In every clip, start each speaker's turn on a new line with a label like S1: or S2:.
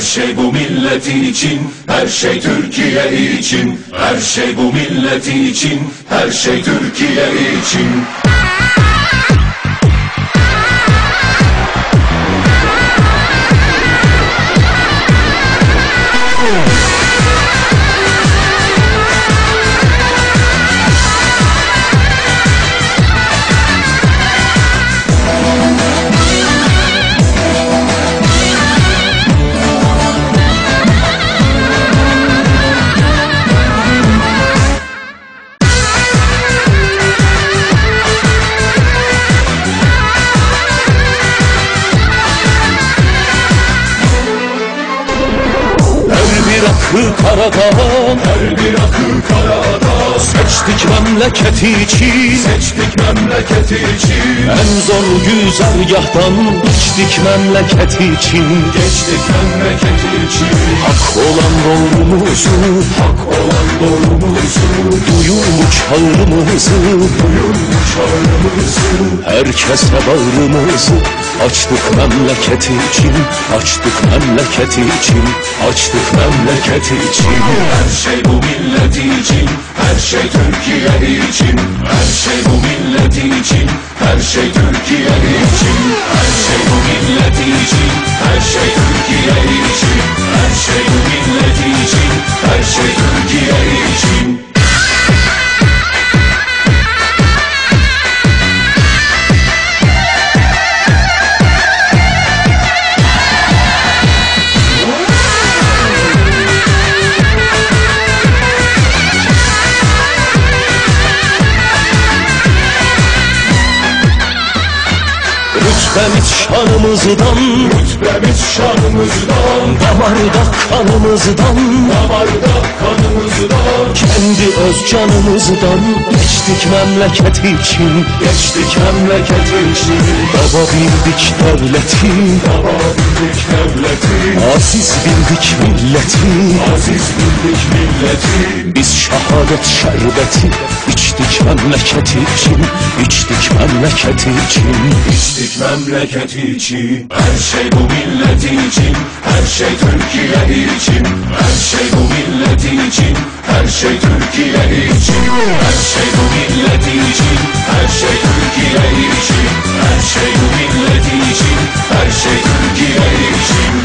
S1: şey bu milleti için, her şey Türkiye için. Her şey bu milleti için, her şey Türkiye için.
S2: Karadağ,
S1: her bir akı Karadağ.
S2: Seçtik memleketi için,
S1: seçtik memleketi için.
S2: En zor güzergahtan geçtik memleketi için.
S1: Geçtik memleketi için.
S2: Hak olan doğrumuzu,
S1: hak olan doğrumuzu.
S2: Duyun bu çağrımızı,
S1: duyun bu çağrımızı.
S2: Herkese bağrımızı açtık memleketi için. Açtık memleketi için, açtık memleketi için.
S1: Her şey bu milleti için, her şey Türkiye için. Her şey bu milleti için, her şey Türkiye için. Her şey bu milleti için, her şey Türkiye için. Her şey bu milleti için, her şey Türkiye için.
S2: Rütbemiz şanımızdan,
S1: rütbemiz şanımızdan.
S2: Damarda kanımızdan,
S1: damarda kanımızdan.
S2: Kendi öz canımızdan geçtik memleketi için.
S1: Geçtik memleketi için.
S2: Baba bildik devleti,
S1: baba bildik devleti.
S2: Aziz bildik milleti,
S1: aziz bildik milleti.
S2: Biz şehadet şerbeti içtik memleketi için. İçtik memleketi için.
S1: İçtik memleketi için. Her şey bu milleti için, her şey Türkiye için. Her şey bu milleti için, her şey Türkiye için. Her şey bu milleti için, her şey Türkiye için. Her şey bu milleti için, her şey Türkiye için.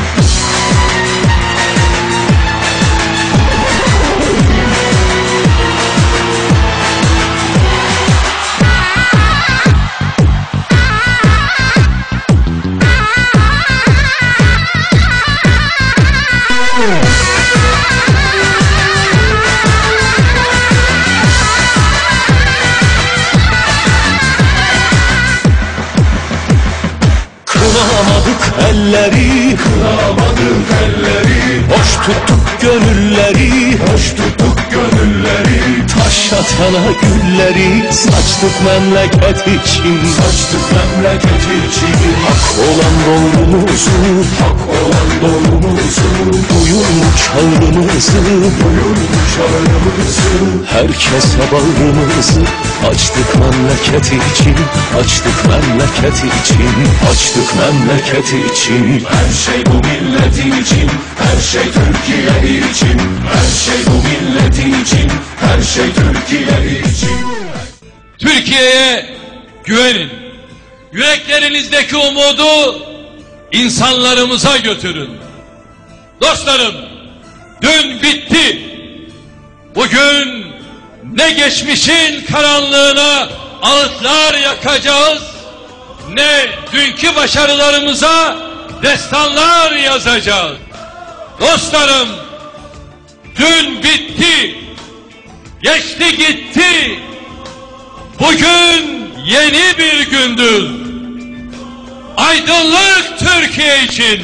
S2: Kınamadık elleri,
S1: kınamadık elleri.
S2: Hoş tuttuk gönülleri,
S1: hoş tuttuk gönülleri.
S2: Taş atana gülleri saçtık memleket için.
S1: Saçtık memleket için.
S2: Hak olan doğrumuzu,
S1: hak olan doğrumuzu.
S2: Duyun bu çağrımızı,
S1: duyun bu çağrımızı.
S2: Herkese bağrımızı açtık memleketi için. Açtık memleketi için, açtık memleketi için.
S1: Her şey bu milleti için, her şey Türkiye için. Her şey bu milleti için, her şey Türkiye için.
S3: Türkiye'ye güvenin. Yüreklerinizdeki umudu insanlarımıza götürün. Dostlarım, dün bitti. Bugün ne geçmişin karanlığına ağıtlar yakacağız, ne dünkü başarılarımıza destanlar yazacağız. Dostlarım, dün bitti, geçti gitti. Bugün yeni bir gündür. Aydınlık Türkiye için,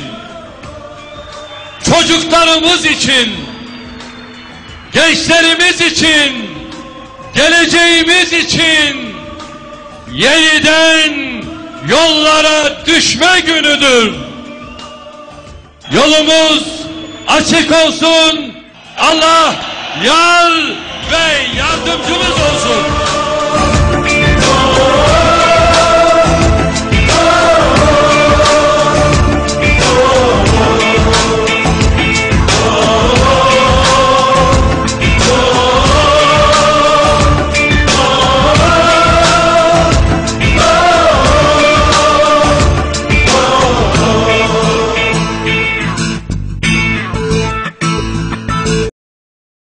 S3: çocuklarımız için, gençlerimiz için, geleceğimiz için yeniden yollara düşme günüdür. Yolumuz açık olsun. Allah yar ve yardımcımız olsun.